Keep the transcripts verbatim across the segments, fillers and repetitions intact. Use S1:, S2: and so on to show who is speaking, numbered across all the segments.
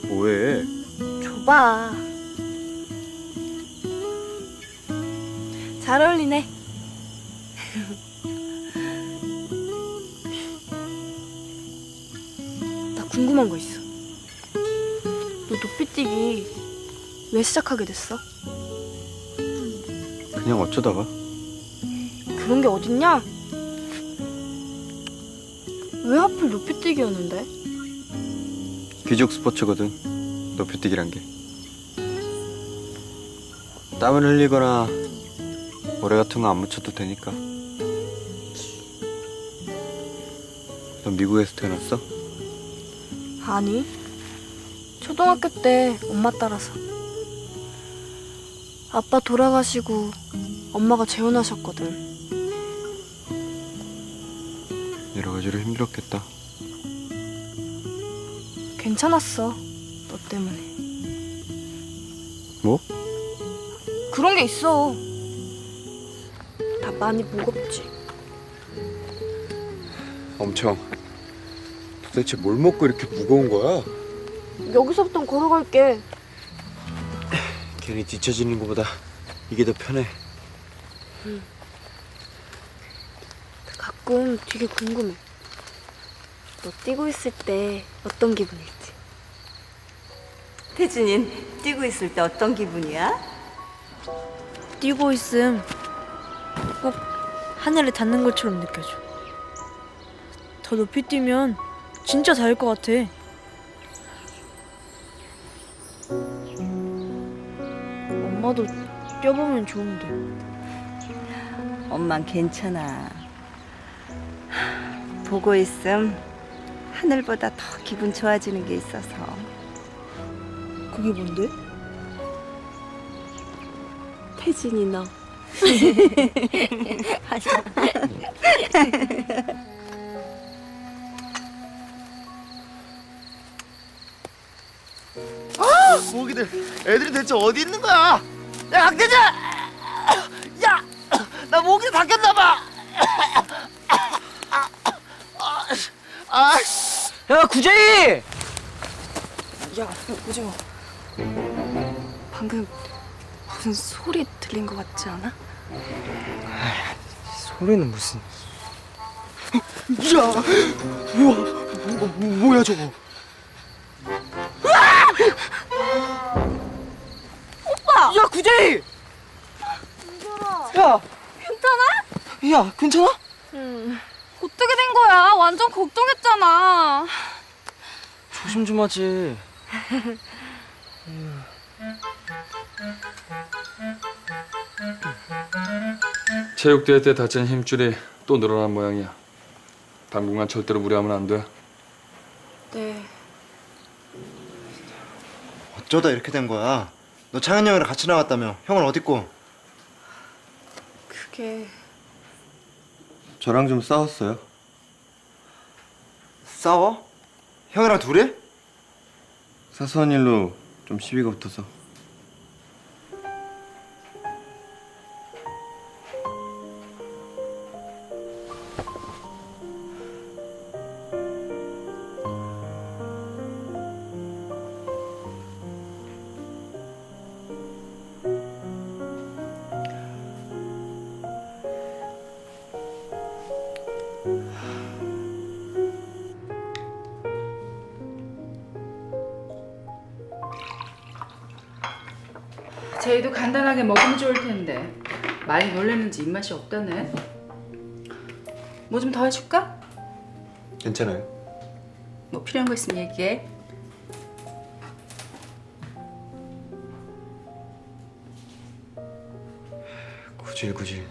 S1: 뭐해?
S2: 줘봐. 잘 어울리네. 나 궁금한 거 있어. 너 높이뛰기 왜 시작하게 됐어?
S1: 그냥 어쩌다가?
S2: 그런 게 어딨냐? 왜 하필 높이뛰기였는데?
S1: 귀족 스포츠거든. 높이뛰기란 게. 땀을 흘리거나 모래 같은 거 안 묻혀도 되니까. 넌 미국에서 태어났어?
S2: 아니, 초등학교 때 엄마 따라서. 아빠 돌아가시고 엄마가 재혼하셨거든.
S1: 여러 가지로 힘들었겠다.
S2: 괜찮았어, 너 때문에.
S1: 뭐?
S2: 그런 게 있어. 다 많이 무겁지.
S1: 엄청. 도대체 뭘 먹고 이렇게 무거운 거야?
S2: 여기서부터 걸어갈게.
S1: 괜히 뒤처지는 것보다 이게 더 편해.
S2: 가끔 되게 궁금해. 너 뛰고 있을 때 어떤 기분일지.
S3: 태준인 뛰고 있을 때 어떤 기분이야?
S4: 뛰고 있음 꼭 하늘에 닿는 것처럼 느껴져. 더 높이 뛰면 진짜 닿을 것 같아. 엄마도 뛰어보면 좋은데.
S3: 엄만 괜찮아. 하, 보고 있음 하늘보다 더 기분 좋아지는 게 있어서.
S4: 그게 뭔데?
S2: 태진이 너.
S5: 모기들, 애들이 대체 어디 있는 거야? 야, 강대장! 야, 나 모기를 바뀌었나봐. 아,
S6: 야 구제이!
S2: 야, 오징어. 방금 무슨 소리 들린 것 같지 않아?
S6: 소리는 무슨?
S5: 야, 우와, 뭐, 뭐, 뭐야 저거?
S6: 야 구제이! 야
S7: 괜찮아?
S6: 야 괜찮아?
S2: 응.
S7: 어떻게 된 거야? 완전 걱정했잖아.
S6: 조심 좀 하지.
S8: 체육대회 때 다친 힘줄이 또 늘어난 모양이야. 당분간 절대로 무리하면 안 돼.
S2: 네.
S5: 어쩌다 이렇게 된 거야? 너 창현 형이랑 같이 나갔다며? 형은 어딨고?
S2: 그게
S1: 저랑 좀 싸웠어요.
S5: 싸워? 형이랑 둘이?
S1: 사소한 일로 좀 시비가 붙어서.
S9: 제이도 간단하게 먹으면 좋을 텐데 많이 놀랬는지 입맛이 없다네. 뭐 좀 더 해줄까?
S1: 괜찮아요.
S9: 뭐 필요한 거 있으면 얘기해.
S1: 구질구질.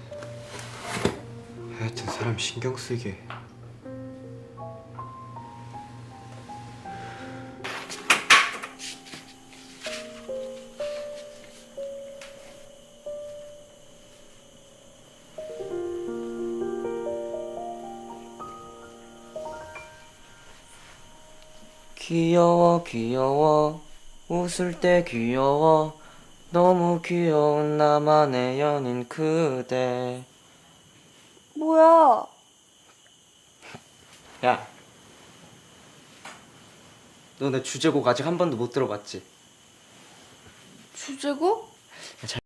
S1: 하여튼 사람 신경 쓰게.
S6: 귀여워 귀여워 웃을 때 귀여워 너무 귀여운 나만의 연인 그대.
S2: 뭐야?
S6: 야 너 내 주제곡 아직 한 번도 못 들어봤지?
S4: 주제곡?